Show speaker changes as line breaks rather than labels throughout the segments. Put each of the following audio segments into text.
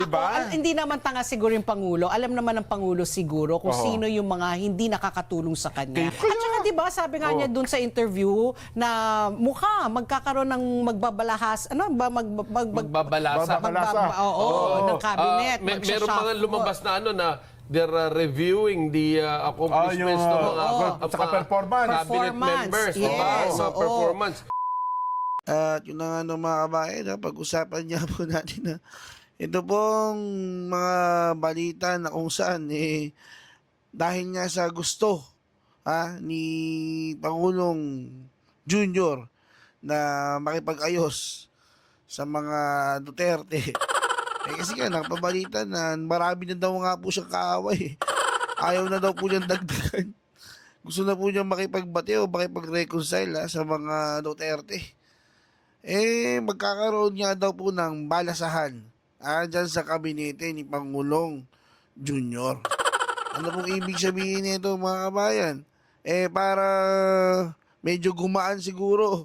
Diba?
Hindi naman tanga siguro yung Pangulo. Alam naman ng Pangulo siguro kung sino yung mga hindi nakakatulong sa kanya. At saka diba, sabi nga niya dun sa interview na mukha magkakaroon ng magbabalahas, ano ba,
Magbabalasa.
ng cabinet.
Meron pa nga lumabas na ano na they're reviewing the accomplishments ng mga
saka performance.
cabinet members.
Yes,
Mga performance.
At yun na nga no, mga kabayan, pag-usapan niya po natin na ito pong mga balita na kung saan dahil nga sa gusto ni Pangulong Junior na makipag-ayos sa mga Duterte. Kasi nga nakapabalita na marami na daw nga po siyang kaaway. Ayaw na daw po niyang dagdagan. Gusto na po niyang makipagbati o makipag-reconcile sa mga Duterte. Magkakaroon nga daw po ng balasahan dyan sa kabinete ni Pangulong Junior. Ano pong ibig sabihin nito, mga kabayan? Para medyo gumaan siguro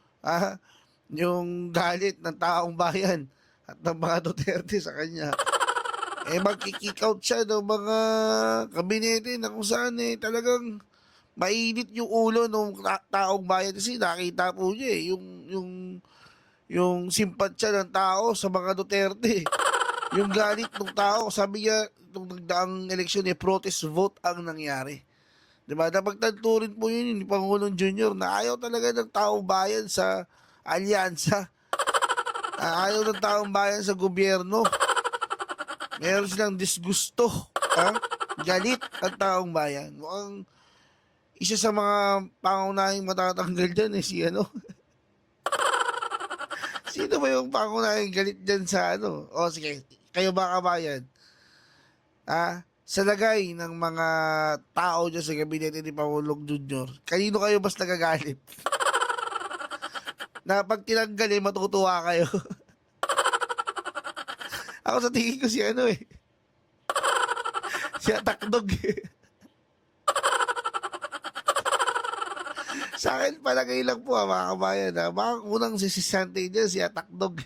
yung galit ng taong bayan at ng mga Duterte sa kanya. Magkikick out siya ng mga kabinete na kung saan talagang mainit yung ulo ng taong bayan kasi nakita po niya yung simpatsya ng tao sa mga Duterte. Yung galit ng tao, sabi niya, itong nagdaang eleksyon, protest vote ang nangyari. Diba? Napagtanto rin po yun ni Pangulong Junior na ayaw talaga ng taong bayan sa alyansa. Ayaw ng taong bayan sa gobyerno. Meron silang disgusto. Galit ang taong bayan. Mukhang isa sa mga pangunahing matatanggal dyan si Sino ba yung pangunahing galit dyan sa sige, kayo ba kabayan? Sa lagay ng mga tao dyan sa gabinete ni Pangulong Junior, kanino kayo mas nagagalit? Na pag tinanggal matutuwa kayo. Ako sa tingin ko si si Atakdog Sa akin, palagay lang po mga kabayan. Mga unang sisisante dyan, si Atakdog.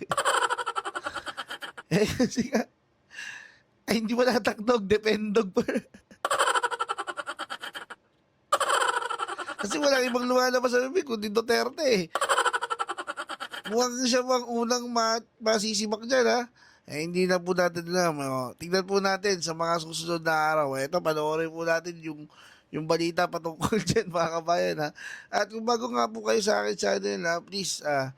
Kasi nga, hindi mo na Atakdog, Dependog pa. Kasi walang ibang lumalabas sa bibig, kundi Duterte. Mukhang siya bang unang masisimak dyan, hindi na po natin alam. Tingnan po natin sa mga susunod na araw. Ito, panoorin po natin yung balita patungkol dyan, mga kabayan. At kung bago nga po kayo sa akin channel, please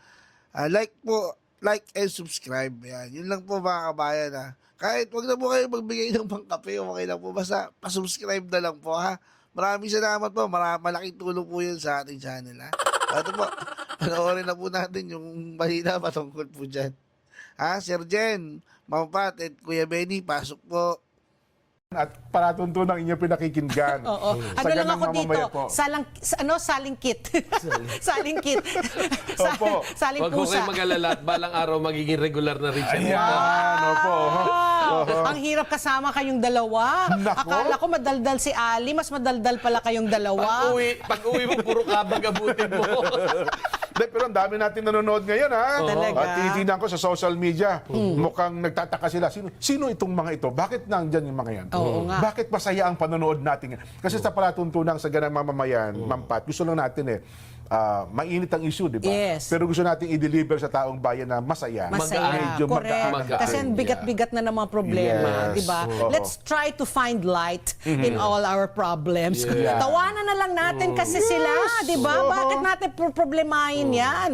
like and subscribe. Yun lang po, mga kabayan. Kahit wag na po kayo magbigay ng pangkape, okay lang po. Basta pasubscribe na lang po. Maraming salamat po. Malaking tulong po yun sa ating channel. Ito po, panoorin na po natin yung balita patungkol po dyan. Sir Jen, Ma'am Pat, at Kuya Benny, pasok po.
At palatuntunan inyong pinakikinggan.
Oo. Ano lang ako dito? Salingkit. Salingkit.
Opo.
Saling
Huwag ko
pusa.
kayo mag-alala at balang araw magiging regular na rin siya.
Ayan, opo.
Ang hirap kasama kayong dalawa.
Nako.
Akala ko madaldal si Ali, mas madaldal pala kayong dalawa.
Pag-uwi mo, puro kabag abutin mo.
Pero ang dami natin nanonood ngayon,
Talaga?
At tinitingnan ko sa social media, mukhang nagtataka sila. Sino itong mga ito? Bakit nandyan yung mga yan?
Oo nga.
Bakit masaya ang panonood natin? Kasi sa palatuntunan sa ganang mamamayan, Ma'am Pat, gusto lang natin mainit ang issue, di ba?
Yes.
Pero gusto natin i-deliver sa taong bayan na masaya.
Masaya.
Medyo
Correct.
magaan.
Kasi ang bigat-bigat na ng mga problema,
Yes.
di ba?
Oo.
Let's try to find light in all our problems.
Yeah.
Tawanan na lang natin kasi sila, di ba? Bakit natin problemahin yan?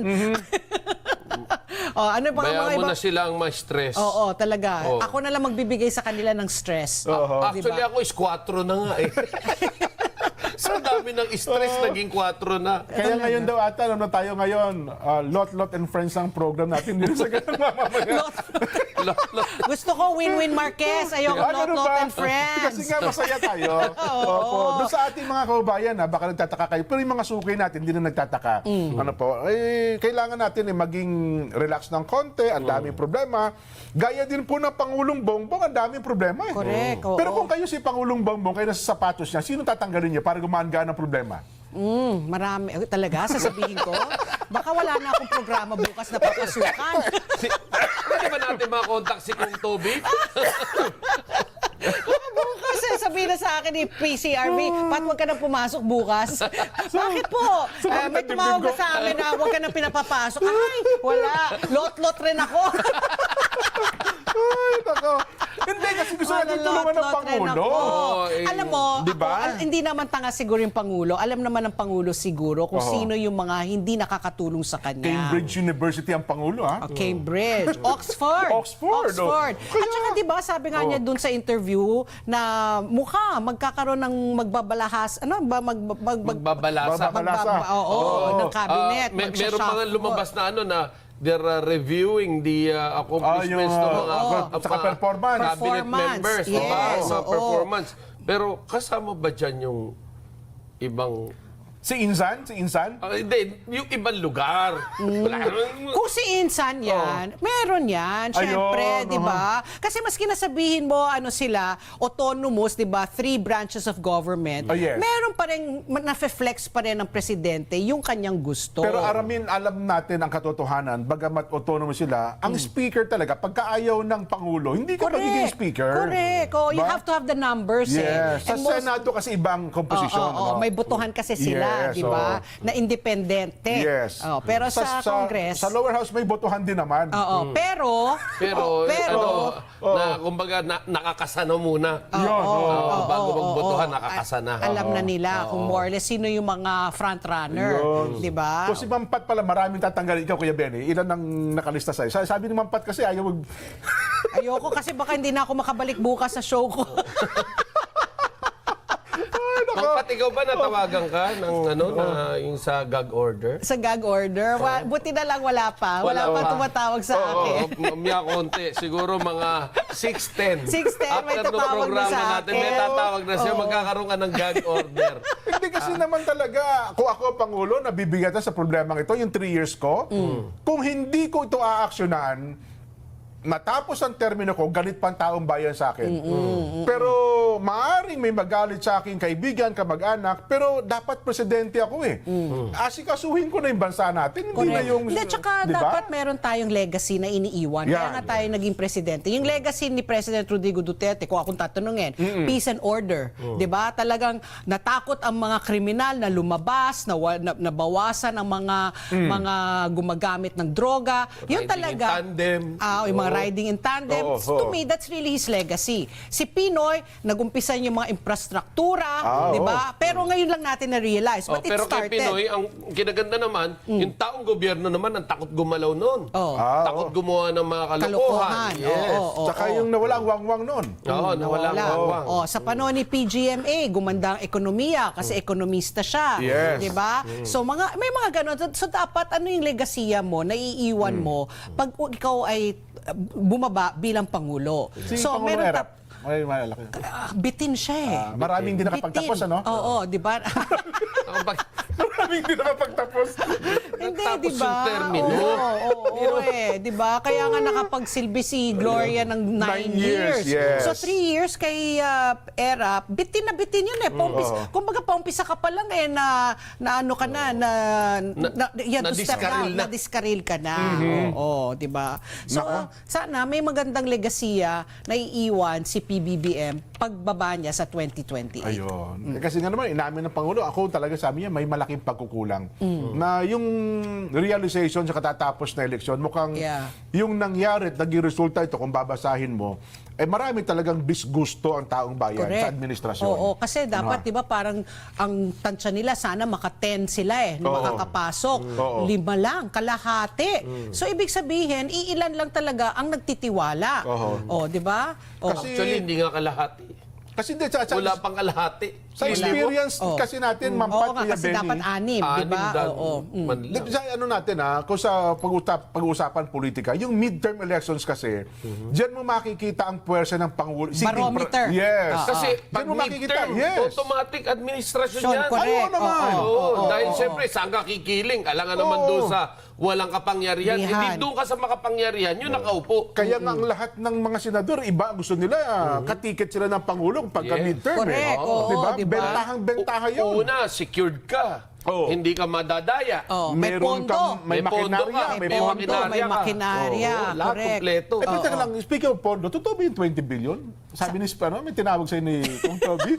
Ano pa
Bayaan
mga
mo
iba?
na silang ma-stress.
Oo, talaga.
Oo.
Ako na lang magbibigay sa kanila ng stress.
Actually, ako is 4 na nga eh. Sa dami ng stress, naging 4 na.
Kaya ngayon daw ata, alam na tayo ngayon, Lot and Friends ang program natin dito sa ganang mamamayan.
Gusto ko win-win Marquez. Ayoko
Ano
not
ba?
and friends.
Kasi nga masaya tayo. Opo. Doon sa ating mga kababayan, baka nagtataka kayo. Pero yung mga suki natin, hindi na nagtataka. Ano po, kailangan natin maging relax ng konti, ang daming problema. Gaya din po ng Pangulong Bongbong, ang daming problema.
Correct, oo.
Pero kung kayo si Pangulong Bongbong, kayo nasa sapatos niya, sino tatanggalin niya para gumaan-gaan ang problema?
Marami. Talaga, sasabihin ko? Baka wala na akong programa bukas na papasukan.
Pwede ba natin makontak si Kung Toby?
Bukas sabihin na sa akin ni PCRV, Pat, huwag ka nang pumasok bukas. Bakit po? May tumawag na sa amin na huwag ka nang pinapapasok. Ay, wala. Lot-lot rin ako.
Ay, nako. Hindi, kasi gusto natin tulungan ng Pangulo.
Alam mo,
Diba?
hindi naman tanga siguro yung Pangulo. Alam naman ng Pangulo siguro kung sino yung mga hindi nakakatulong sa kanya.
Cambridge University ang Pangulo, ha?
Cambridge. Oxford.
Oxford, oh.
Oxford. At saka diba, sabi nga niya dun sa interview na mukha magkakaroon ng magbabalahas, ano ba,
Magbabalasa.
ng cabinet.
Meron mga lumabas na ano na they're reviewing the accomplishments ng mga
saka performance.
cabinet members.
Yes,
Mga
oo.
performance. Pero kasama ba dyan yung ibang...
Si Insan? Si Insan?
Hindi, yung ibang lugar. Wala naman-
Kung si Insan yan, meron yan, syempre,
Ayun,
di ba? Kasi maski nasabihin mo, ano sila, autonomous, di ba, 3 branches of government,
Oh, yes.
meron pa rin, nafe-flex pa rin ng presidente yung kanyang gusto.
Pero alam natin ang katotohanan, bagamat autonomous sila, ang speaker talaga, pagka ayaw ng Pangulo, hindi ka magiging speaker.
Correct. Oh, you
Ba?
have to have the numbers.
Yes. Sa
And most-
Senado kasi ibang komposisyon.
Oo,
ano?
may botohan kasi sila,
Yes,
di ba? Na independente.
Yes.
Oh, pero sa Congress,
Sa lower house may botohan din naman.
oo, pero
kumbaga, nakakasana muna.
Yun.
Bago magbotohan, nakakasana.
alam na nila kung more or less sino yung mga front runner, di ba?
Kung si Mampat pala, maraming tatanggalin. Ikaw, Kuya Benny, ilan ang nakalista sa'yo? Sabi ni Mampat kasi ayaw
Ayoko kasi baka hindi na ako makabalik bukas sa show ko.
Pagkat ikaw ba natawagan ka ng yung sa gag order?
Sa gag order. Buti na lang wala pa. Wala pa tumatawag sa akin.
Miya konti. Siguro mga 6:10.
6:10 may
After nung
tatawag na
programa
sa
natin, may
akin.
tatawag na siya, magkakaroon ka ng gag order.
Hindi kasi naman talaga, kung ako Pangulo, nabibigatan sa problemang ito, yung 3 years ko, kung hindi ko ito aaksyonan, matapos ang termino ko, galit pa ang taong bayan sa akin. Pero maaring may magalit sa aking kaibigan, kamag-anak, pero dapat presidente ako eh. Asikasuhin ko na yung bansa natin, hindi na yung...
Hindi, tsaka
Di ba?
dapat meron tayong legacy na iniiwan. Kaya
Yan.
nga tayo naging presidente. Yung legacy ni President Rodrigo Duterte, kung akong tatanungin, peace and order. Di ba? Talagang natakot ang mga kriminal na lumabas, nabawasan ang mga gumagamit ng droga. Yung
Riding
talaga...
in tandem.
Yung mga riding in tandem.
Oo,
To
oo.
me, that's really his legacy. Si Pinoy, nagumpisan yung mga infrastruktura, di ba? Pero ngayon lang natin na-realize. But it
Pero kay
started.
Pinoy, ang kinaganda naman, yung taong gobyerno naman, ang takot gumalaw noon.
Oo.
Takot gumawa ng mga kalokohan.
Kalokohan.
Yes.
Oo.
Tsaka yung nawala ang wangwang noon.
Oo, nawala ang wawang.
Sa panahon ni PGMA, gumanda ang ekonomiya kasi ekonomista siya.
Yes.
'Di ba? So may mga ganun. So dapat ano yung legasiya mo, naiiwan mo pag ikaw ay bumaba bilang pangulo.
Si
So
Pangulo
meron
Erap. Ay, malaki.
bitin siya eh.
Maraming hindi nakapagtapos,
Bitin.
ano?
Oo, 'di ba?
Maraming hindi nakapagtapos.
Hindi,
Nagtapos
di ba?
yung termino.
Oo, di ba? Kaya nga nakapagsilbi si Gloria ng 9
9
years.
years, yes.
So 3 years kay Erap, bitin na bitin yun eh. Kumbaga paumpisa ka pa lang eh na ano ka na, na-discarril ka na. Oo, di ba? So sana may magandang legasiya na iiwan si PBBM pagbaba niya sa 2028.
Ayun. Kasi nga naman, inamin ng Pangulo, ako talaga sabi niya, may malaking pagkukulang. Na yung realization sa katatapos na eleksyon, mukhang yung nangyari at naging resulta ito, kung babasahin mo, eh marami talagang disgusto ang taong bayan
Correct.
sa administrasyon.
Oo, kasi dapat 'di ba parang ang tansya nila sana maka-10 sila na makakapasok. 5 lang, kalahati. So ibig sabihin, iilan lang talaga ang nagtitiwala. 'di ba?
Actually, hindi nga kalahati.
Kasi hindi,
Wala pang kalahati.
sa experience kasi natin,
Oo
Mampat,
nga,
Kuya
kasi
Benny,
dapat 6, 'di ba? Oo.
Sa ano natin kung sa pag-uusapan politika, yung midterm elections kasi, diyan mo makikita ang puwersa ng Pangulo.
Barometer.
Yes.
Kasi
Diyan
pag
mo makikita,
midterm,
yes.
automatic administration
Sean,
yan.
correct.
Ayaw naman.
Oo, dahil siyempre, saan ka kikiling? Alangan naman doon sa walang kapangyarihan.
Rihan.
Hindi doon ka sa makapangyarihan, yun nakaupo.
Kaya nga ang lahat ng mga senador, iba gusto nila, katiket sila ng Pangulo pagka
Yes.
midterm.
Correct, oo,
diba?
diba?
Bentahang-bentaha yun.
Una, secured ka.
Oo.
Hindi ka madadaya.
Oh, may
Meron
pondo.
kang- may
pondo
makinarya,
ka,
may
May pondo,
makinarya
may
ka.
makinarya.
Oo, lahat
Correct.
kompleto.
Eh, pero teka lang, speaking of pondo, totoo ba yung 20 billion? Sabi ni Spano, may tinawag sa'yo ni Kung Toby.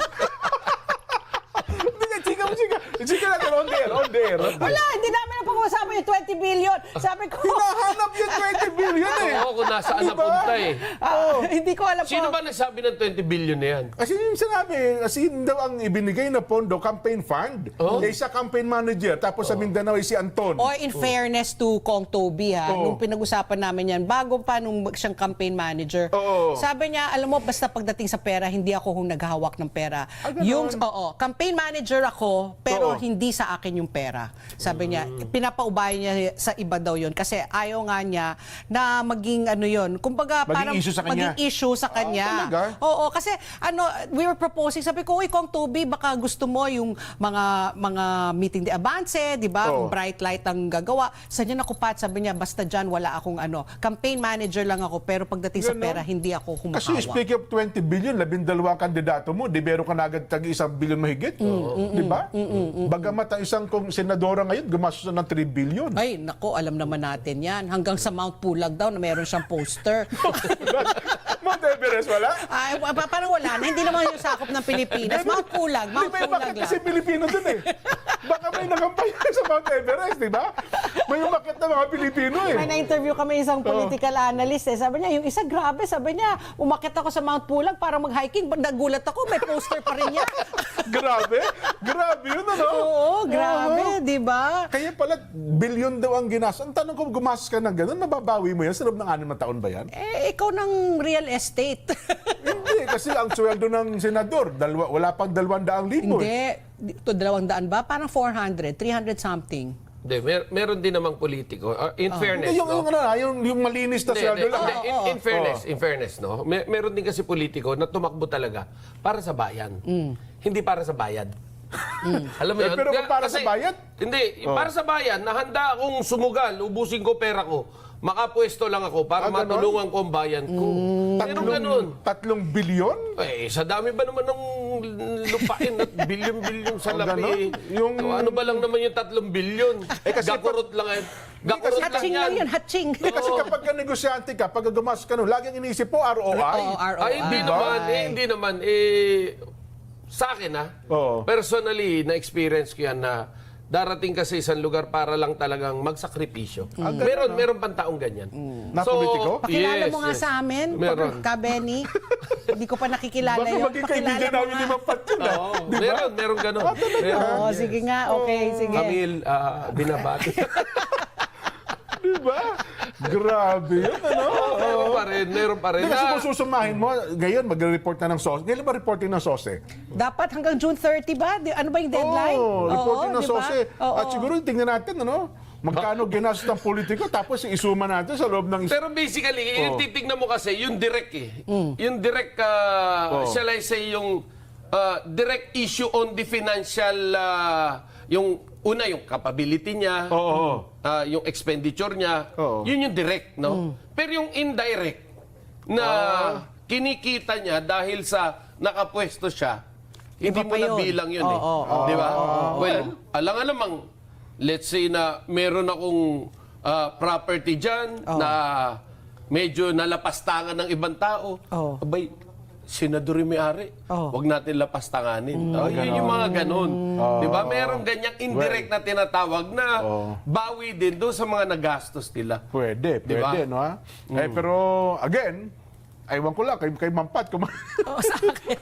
Chika natin, on the air.
Wala, hindi namin na pag-uusapan yung 20 billion. Sabi ko,
Hinahanap yung 20 billion eh.
Oo, kung nasaan
Diba?
napunta eh.
hindi ko alam
Sino
po.
ba nagsabi ng 20 billion na yan?
Kasi yung sinabi, kasi yun daw ang ibinigay na pondo, campaign fund. Eh, isa campaign manager, tapos sa Mindanao ay si Anton.
O in fairness to Kong Toby ha,
Oo.
nung pinag-usapan namin yan, bago pa nung siyang campaign manager,
Oo.
sabi niya, alam mo, basta pagdating sa pera, hindi ako naghahawak ng pera.
Ganon.
Campaign manager ako, pero
Oo.
hindi sa akin yung pera. Sabi niya, pinapaubaya niya sa iba daw yun kasi ayaw nga niya na maging ano yun, kumbaga
Maging
parang
issue sa kanya.
maging issue sa kanya.
talaga?
Oo, kasi we were proposing, sabi ko, uy, Kong Toby, baka gusto mo yung mga meeting de avance, di ba?
Oo.
Bright light ang gagawa. Sa niya nakupat, sabi niya, basta dyan wala akong campaign manager lang ako, pero pagdating sa
Ganon.
pera, hindi ako
Kasi
humahawak.
speaking of 20 billion, 12 kandidato mo, di meron ka na agad tag 1 billion mahigit. Di ba? Bagamat ang isang senadora ngayon, gumastos na ng 3 billion.
Ay, nako, alam naman natin yan. Hanggang sa Mount Pulag daw na meron siyang poster.
Mount Everest, wala?
Ay, parang wala na. Hindi naman yung sakop ng Pilipinas. Mount Pulag, Mount
May
Pulag
umakit
lang.
kasi Pilipino dun eh. Baka may nakampanya sa Mount Everest, di ba? May umakit na mga Pilipino eh.
May na-interview kami isang political analyst eh. Sabi niya, yung isa grabe, sabi niya, umakit ako sa Mount Pulag para mag-hiking. Nagulat ako, may poster pa rin niya.
Grabe yun, ano?
Oo, grabe, di ba?
Kaya pala, billion daw ang ginastos. Ang tanong ko, gumastos ka ng gano'n, mababawi mo yan sa loob ng 6 na taon ba yan?
Eh, ikaw ng real estate.
Hindi, kasi ang sweldo ng senador, wala pang 200,000.
Hindi. Ito, 200 ba? Parang 400, 300 something.
Hindi, meron din namang politiko. In fairness,
Hindi, yung,
no?
yung malinis na
Hindi,
sweldo
hindi,
lang.
hindi. In fairness, no? Meron din kasi politiko na tumakbo talaga para sa bayan. Hindi para sa bayad. Alam mo
Eh,
yun?
pero kung para sa bayad?
Hindi, para sa bayan, na handa akong sumugal, ubusin ko pera ko, makapwesto lang ako para
ganon?
matulungan ko ang bayan ko. Meron ganun.
3 billion?
Eh, sa dami ba naman ng lupain at bilyon-bilyon sa
Ang
labi?
ganon? Yung-
Ano ba lang naman yung 3 bilyon?
kasi
Gakurot lang yan. Gakurot lang
Hatching lang
yan.
yun, hatching.
Eh, kasi kapag ka negosyante ka, pag gumastos ka nun, laging inisip po ROI.
Oo, ROI.
Ay, hindi naman. Sa akin,
Oo.
personally, na-experience ko yan na darating ka sa isang lugar para lang talagang magsakripisyo. Meron pang taong ganyan.
Na politiko?
Pakilala mo nga sa amin,
Meron.
Ka Benny. Hindi ko pa nakikilala
Baka
yun.
maging
Pakilala
kaibigan
mo
namin ni
nga.
Mang Pat yun, ah.
Oo, meron ganun. Meron.
Oo, sige nga. Okay, sige.
Camille, binabati.
Di ba? Grabe yun, ano?
meron pa rin.
Hindi, kasi kung susumahin mo, ngayon magre-report na ng SOSE. Ngayon ba reporting ng SOSE?
Dapat hanggang June 30 ba? Ano ba yung deadline?
Oo, reporting ng
di ba?
SOSE.
Oo.
At siguro tingnan natin, ano? Magkano ginastos ng politiko, tapos isuma natin sa loob ng...
Pero basically, yung titignan mo kasi, yung direct eh. Yung direct, shall I say, yung direct issue on the financial, yung una, yung capability niya, yung expenditure niya,
Oo.
yun yung direct, no? Pero yung indirect, na kinikita niya dahil sa nakapwesto siya, hindi
Iba
mo
pa yun.
nabilang yun eh.
Oo,
Di ba? Well, alang-alamang, let's say na meron akong property dyan na medyo nalapastangan ng ibang tao.
Oo.
Abay, senador yung may-ari.
Oo.
Huwag natin lapastanganin. Yun yung mga ganun. Di ba? Meron ganyang indirect na tinatawag na bawi din doon sa mga nagastos nila.
Pwede,
Di ba?
no? Ha? Eh, pero, again, aywan ko lang, kay Mampat,
Oo, sa akin.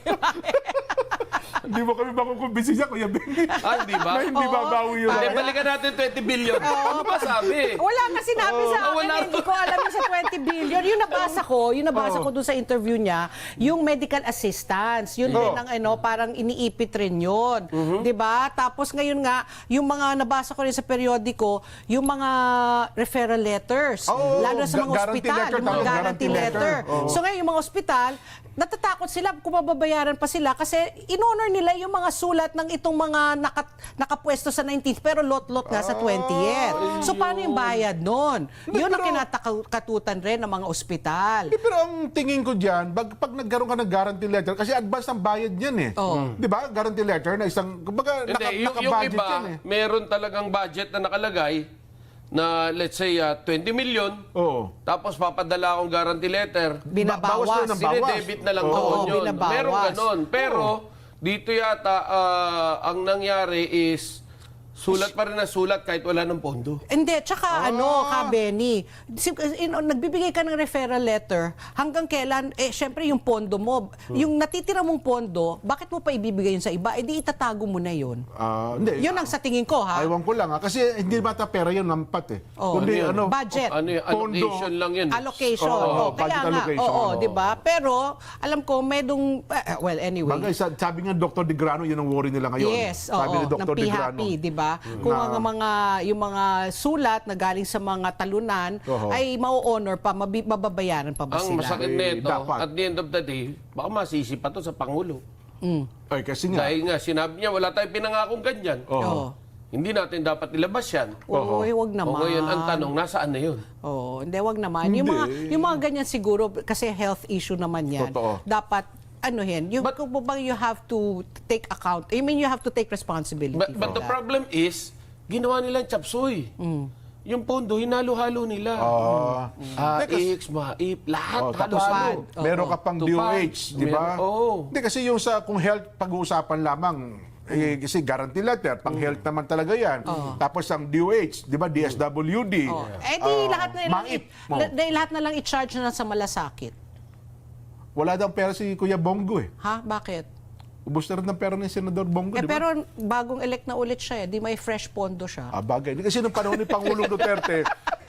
hindi mo kami makukumbisi siya, Kuya Benny.
Di ba?
Na hindi babawi yun.
Hindi, balikan natin 20 billion. Ano ba sabi?
Wala nga sinabi sa akin,
wala.
hindi ko alam yung sa 20 billion. Yung nabasa ko dun sa interview niya, yung medical assistance, yun din ang parang iniipit rin yun. 'Di ba? Tapos ngayon nga, yung mga nabasa ko rin sa periodiko, yung mga referral letters,
Oo,
lalo na sa mga
guarantee
ospital,
letter,
yung mga
tama,
guarantee
guarantee
letter.
letter. Oo.
So ngayon, yung mga ospital, natatakot sila kung mababayaran pa sila kasi in-honor nila nila yung mga sulat ng itong mga nakapwesto sa 19th pero lot-lot nga sa 20th. So paano yung bayad nun? Yun ang kinatakatutan rin ng mga ospital.
Pero ang tingin ko dyan, pag nagkaroon ka ng guarantee letter, kasi advance ang bayad yan eh. Di ba? Guarantee letter na isang, kumbaga,
Hindi, yung
naka-budget
iba,
yan eh.
meron talagang budget na nakalagay na let's say 20 million.
Oo.
Tapos papadala akong guarantee letter.
Binabawas.
Bawas na ng
Sinedebit na lang
Oo,
doon yun.
binabawas.
Meron ganon. Pero dito yata ang nangyari is sulat pa rin na sulat kahit wala ng pondo.
Hindi, tsaka Benny, nagbibigay ka ng referral letter, hanggang kailan, syempre yung pondo mo, yung natitira mong pondo, bakit mo pa ibibigay yun sa iba? Eh di itatago mo na yun.
Hindi.
Yun ang sa tingin ko, ha?
Aywan ko lang kasi hindi bata pera yun, nampat eh.
Oo.
Kundi,
Budget.
Ano yung allocation lang yun.
Allocation.
Oo,
Kaya
budget
nga,
allocation.
di ba? Pero, alam ko, medong, well, anyway.
Bagay, sabi nga Dr. De Grano, yun ang worry nila ngayon.
Yes,
sabi ni
ng
Dr. De Grano.
PHP, di ba? Kung yung mga sulat na galing sa mga talunan ay mau-honor pa, mababayaran pa ba
Ang
sila?
masakit nito,
dapat.
at the end of the day, baka masisi pa to sa Pangulo.
Ay, kasi nga.
Dahil nga, sinabi niya, wala tayong pinangakong ganyan.
Oo.
Hindi natin dapat ilabas yan.
Uy, wag naman.
O ngayon, ang tanong, nasaan na yun?
Oo, hindi, wag naman. Yung mga ganyan siguro, kasi health issue naman yan.
Totoo.
Dapat, you have to take account. I mean, you have to take responsibility
But
for
the
that.
problem is, ginawa nilang chapsuy. Yung pondo, hinalo-halo nila. X, MAIP, lahat
Tapos
halo-halo.
meron ka pang
Tupad.
DOH, di ba?
Oo.
Hindi, kasi yung kung health pag-uusapan lamang, kasi guarantee letter, pang health naman talaga yan. Tapos ang DOH, di ba, DSWD.
Di lahat na lang,
MAIP.
lahat na lang i-charge na sa malasakit.
Wala daw pera si Kuya Bongo eh.
Ha? Bakit?
Ubus na rin ng pera ni Senador Bongo, di ba?
Pero bagong elect na ulit siya, di may fresh pondo siya.
Bagay. Kasi nung panahon ni Pangulong Duterte,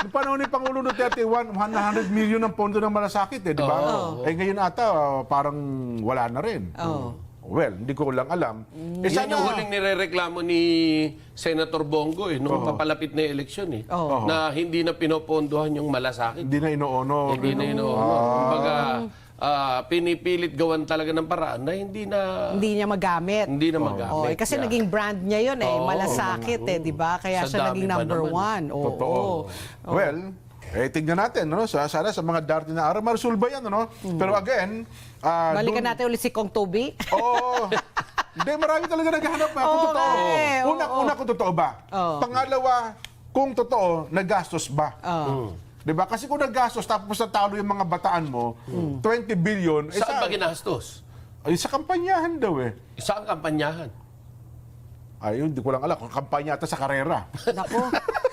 100 million ang pondo ng malasakit eh, di ba? Ngayon ata, parang wala na rin. Well, hindi ko lang alam.
Yan yung huling nirereklamo ni Senator Bongo nung papalapit na eleksyon na hindi na pinopondohan yung malasakit.
Hindi na ino-honor.
Hindi na ino-honor. Kumbaga, pinipilit gawan talaga ng paraan na hindi
Niya magamit.
Hindi na magamit.
Kasi naging brand niya yun malasakit di ba? Kaya
Sa
siya
dami
naging
pa
number
naman.
one.
Totoo. Well, tignan natin, no? Sana sa mga darating na araw, maresolba yan, no? Pero again,
Balikan natin ulit si Kong Toby.
Hindi, marami talaga naghahanap kung totoo. Una, kung totoo ba? Pangalawa, kung totoo, nagastos ba? Diba? Kasi kung nagastos, tapos natalo yung mga bataan mo, 20 billion,
Saan ba ginastos?
Sa kampanyahan daw eh.
Saan kampanyahan?
Ayun, di ko lang alam. Kampanya ata sa karera.
Nako.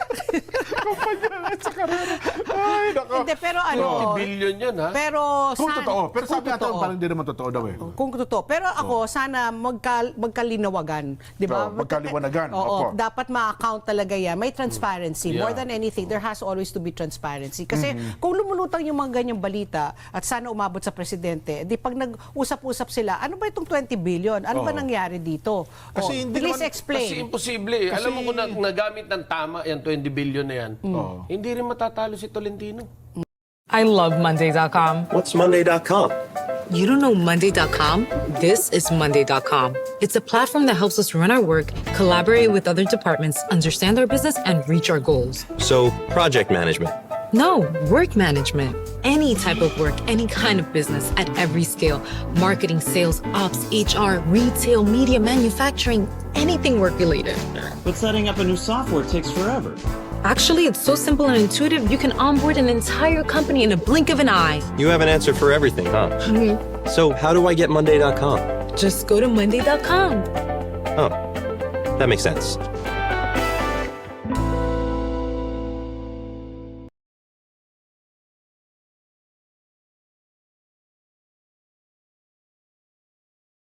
Kampanya sa karera. Ay, nako.
Hindi, pero
20 billion yun, ha?
Pero
Kung totoo. Pero
kung
sabi natin,
totoo.
parang hindi naman totoo daw eh.
Kung totoo. Pero ako, sana magkalinawagan. Di ba?
Magkaliwanagan.
Oo,
Opo.
dapat ma-account talaga yan. May transparency.
Yeah.
More than anything, there has always to be transparency. Kasi kung lumulutang yung mga ganyang balita at sana umabot sa presidente, di pag nag-usap-usap sila, ano ba itong 20 billion? Ano ba nangyari dito?
Kasi hindi
please
naman-
explain.
Kasi imposible. Alam mo kung nagamit ng tama yung 20 billion na yan, hindi rin matatalo si Tolentino.
I love Monday.com.
What's Monday.com?
You don't know Monday.com? This is Monday.com. It's a platform that helps us run our work, collaborate with other departments, understand our business, and reach our goals.
So, project management.
No, work management. Any type of work, any kind of business at every scale. Marketing, sales, ops, HR, retail, media, manufacturing, anything work related.
But setting up a new software takes forever.
Actually, it's so simple and intuitive, you can onboard an entire company in a blink of an eye.
You have an answer for everything, huh? So, how do I get Monday.com?
Just go to Monday.com.
Oh, that makes sense.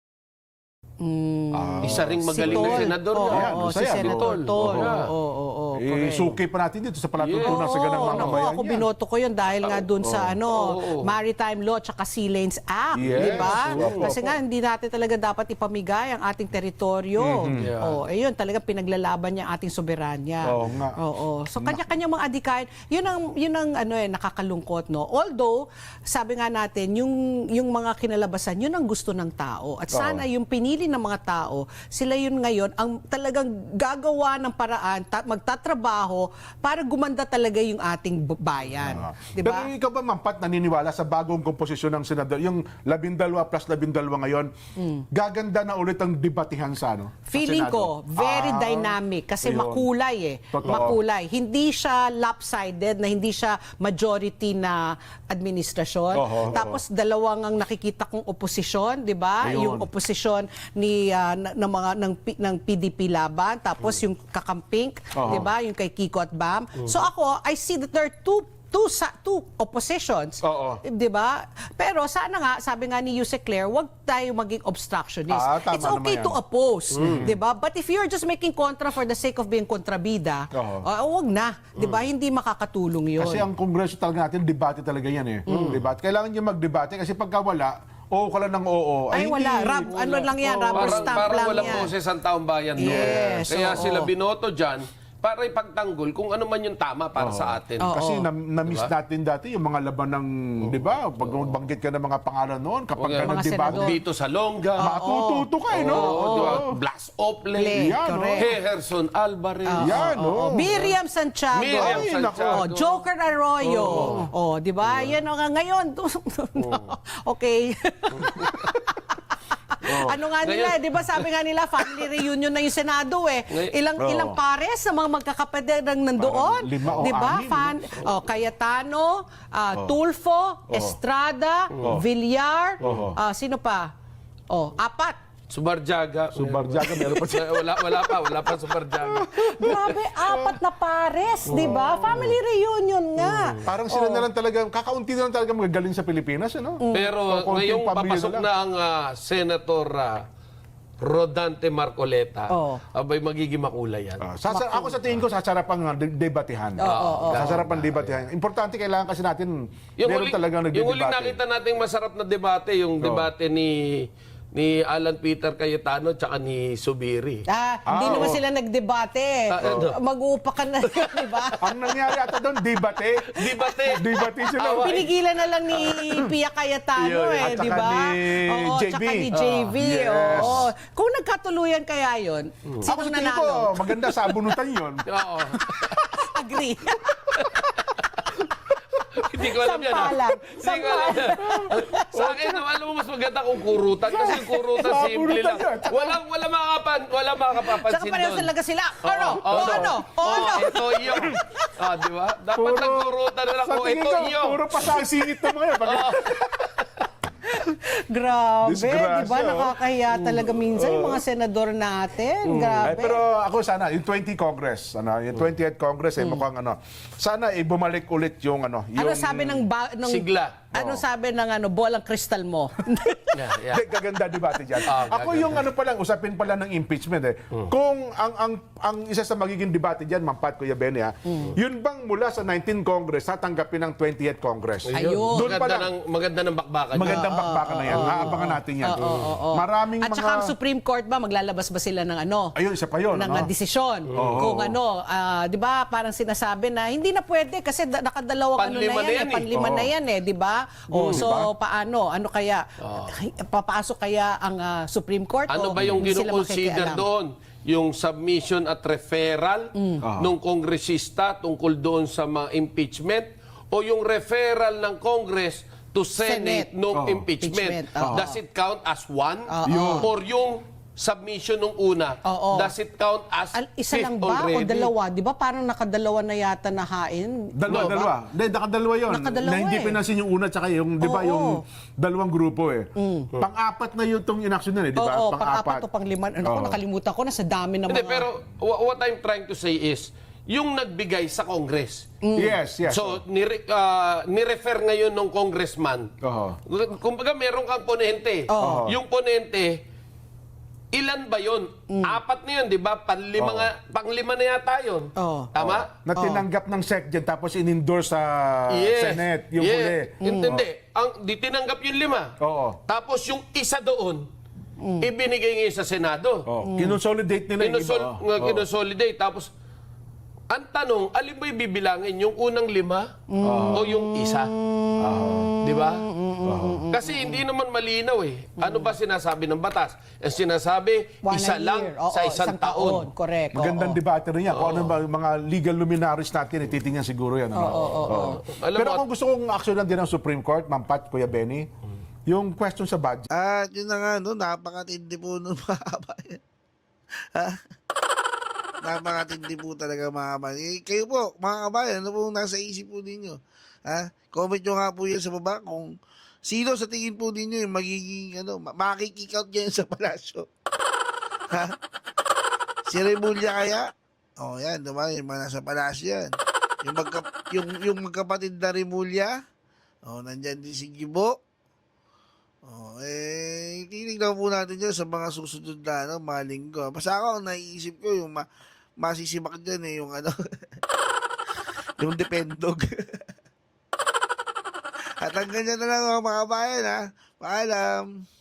Isa ring magaling na senador.
Oo,
yan.
oo, si
Masaya,
Senator
Tol.
Tol.
Oo.
Oo. correct.
Suki pa natin dito sa palatuntunan sa ganang mga
naku,
bayan
ako
yan.
binoto ko yun dahil nga dun sa Maritime Law tsaka Sea Lanes Act,
Yes,
di ba?
opo,
Kasi nga hindi natin talaga dapat ipamigay ang ating teritoryo. Ayun, talaga pinaglalaban niya ang ating soberanya.
Oo nga.
So kanya-kanya mga adikain, yun ang nakakalungkot, no. Although sabi nga natin, yung mga kinalabasan, yun ang gusto ng tao. At sana yung pinili ng mga tao, sila yun ngayon ang talagang gagawa ng paraan, magtatrabaho para gumanda talaga yung ating bayan. Di
Pero
ba?
ikaw ba, Mampat, naniniwala sa bagong komposisyon ng senador, yung 12 plus 12 ngayon, gaganda na ulit ang debatihan sa
Feeling ko,
Senado?
very dynamic kasi
Ayun.
makulay
Totoo.
Makulay. Hindi siya lopsided, na hindi siya majority na administrasyon. Tapos dalawang ang nakikita kong oposisyon, 'di ba?
Ayun.
Yung oposisyon ni ng PDP laban, tapos yung kakamping, 'di ba? Yung kay Kiko at Bam. So ako, I see that there are two oppositions.
Oo.
'Di ba? Pero sana nga, sabi nga ni Yuse Claire, wag tayo maging obstructionist.
Tama
It's okay
naman
to
yan.
oppose, 'di ba? But if you're just making contra for the sake of being kontrabida, wag na, 'di ba? Hindi makakatulong 'yon.
Kasi ang kongreso talaga natin, debate talaga yan eh. Debate. Kailangan nyo magdebate kasi pagka wala, oo ka lang ng oo.
Ay, wala. Ano lang yan, rubber stamp
Parang
lang
walang
yan.
boses ang taong bayan doon.
Yes,
Kaya
oo.
sila binoto dyan para ipagtanggol kung ano man yung tama para sa atin.
Kasi na-miss natin dati yung mga laban ng, di ba? Pag banggit ka ng mga pangalan noon, kapag ka
Mga
nag-debate,
senador.
Dito sa Longga.
matututo ka eh, no?
Di ba? Blas Ople.
Yan,
correct.
Heherson Alvarez.
Yan, no?
Miriam Santiago.
Miriam
Ay,
Santiago.
Joker Arroyo. Di ba? Yan o nga ngayon. Okay. Ano nga nila, di ba sabi nga nila, family reunion na yung Senado eh. Ilang pares na mga magkakapatid ang nandoon.
Parang 5 o
Di ba?
6,
Cayetano, Tulfo, Estrada, Villar, sino pa? 4.
Subarjaga.
Subarjaga, meron pa siya.
Wala pa Subarjaga.
Grabe, 4 na pares, di ba? Family reunion nga.
Parang sila na lang talaga, kakaunti na lang talaga magagaling sa Pilipinas, ano?
Pero
Konting
ngayong
pamilya
papasok
lang.
na ang Senator Rodante Marcoleta, abay magiging makulay yan.
Ako sa tingin ko, sasarapan debatehan. Sasarapan debatehan. Importante, kailangan kasi natin, meron talagang
yung huling
nagdedebate.
nakita nating masarap na debate, yung debate ni Alan Peter Cayetano tsaka ni Subiri.
Hindi naman sila nagdebate. Mag-uupakan na, di ba?
Ang nangyari ata doon, debate. Debate sila.
Pinigilan na lang ni Pia Cayetano
Yun. At
di
saka
ba?
ni JB.
Tsaka ni JB.
Yes.
Oo. Kung nagkatuluyan kaya yun,
Ako
sino
sa tingin ko,
nanalo?
maganda sa abunutan yun.
Oo.
Agree.
Hindi ko alam yan.
Sampalan.
Hindi ko alam yan. Sa akin, alam mo, mas maganda kung kurutan. Kasi yung kurutan,
Sa
simple
abunutan
lang.
yan.
Wala makakapapansin
Tsaka pareho
doon.
talaga sila. Ano? Ano?
Ito yun. Di ba? Dapat nagkurutan na lang
Sa
kung
tingin
ito
ko,
yun.
puro pa sa singit na mga yan.
Grabe,
Disgrasya,
di ba? Nakakahiya talaga minsan yung mga senador natin. Grabe.
Pero ako sana, yung 20 Congress, yung 20th Congress, mukhang sana bumalik ulit yung
Ano
yung
sabi ng
Sigla.
Ano sabi ng bolang kristal mo?
Yeah.
Gaganda debate dyan. Ako
gaganda.
yung usapin pala ng impeachment Kung ang isa sa magiging debate dyan, Mampat, Kuya Benny, yun bang mula sa 19th Congress, tatanggapin ng 20th Congress?
Ayun.
Doon pa lang.
Maganda ng bakbakan.
Magandang bakbakan na yan. Aabangan natin yan. Maraming
At
mga...
saka ang Supreme Court ba, maglalabas ba sila ng
Ayun, isa pa yun.
ng desisyon. Kung di ba, parang sinasabi na hindi na pwede kasi nakadalawang
Panlima na yan eh.
panlima na yan di ba? So paano? Ano kaya? Papasok kaya ang Supreme Court?
Ano
o
ba yung
hindi sila
gino-consider
makikialam?
doon? Yung submission at referral ng kongresista tungkol doon sa mga impeachment o yung referral ng Congress to Senate nung impeachment?
Impeachment.
Does it count as one? Or yung submission nung una, does it count as
Isa lang
fifth
ba
already?
o dalawa? Di ba parang nakadalawa na yata na hain?
Dalawa. Hindi, nakadalawa yun.
Nakadalawa
na hindi
eh.
pinansin yung una tsaka yung, di ba, yung dalawang grupo Pang-apat na yung itong inaksyon na di ba?
Oo, pang-apat o pang-lima. Ako, nakalimutan ko na sa dami ng
Hindi,
mga...
pero what I'm trying to say is, yung nagbigay sa Congress.
Yes.
So, nirefer ngayon ng congressman. Kumbaga, meron kang ponente. Yung ponente, ilan ba yun? Apat na yun, di ba? Panglima na yata yun.
Oo.
Tama?
Na tinanggap ng SecGen tapos in-endorse sa Senate, yung huli.
Hindi. Di tinanggap yung 5.
Oo.
Tapos yung isa doon, ibinigay ngayon sa Senado.
Kinonsolidate nila yung iba.
Kinosolidate. Tapos, ang tanong, alin ba yung bibilangin? Yung unang 5 o yung isa? Di ba? Kasi hindi naman malinaw eh. Ano ba sinasabi ng batas? Ang sinasabi,
One
isa
a
lang
year. Oo,
sa isang taon.
Correct.
Magandang
oo.
debate rin yan. Kung ano ba yung mga legal luminaries natin, titingnan siguro yan. Ano? Oo.
Alam
Pero
mo,
kung gusto kong aksyonan din ng Supreme Court, Ma'am Pat, Kuya Benny, yung question sa budget.
At yun na nga, no, napakatindi po nun mga kabayan. Ha? Napakatindi po talaga mga kabayan. Eh, kayo po, mga kabayan, ano po nasa isip po ninyo? Ha? Comment nyo nga po yan sa baba kung sino sa tingin po ninyo yung magiging, makikick out ngayon sa palasyo. Ha? Si Remulla kaya? O yan, diba? Yung mga nasa palasyo yan. Yung magkapatid na Remulla, nandyan din si Gibo. Titignan po natin dyan sa mga susunod na mga linggo. Basta ako, naiisip ko yung masisimak dyan yung yung dependog. At hanggang dyan na lang mga bayan, ha. Paalam.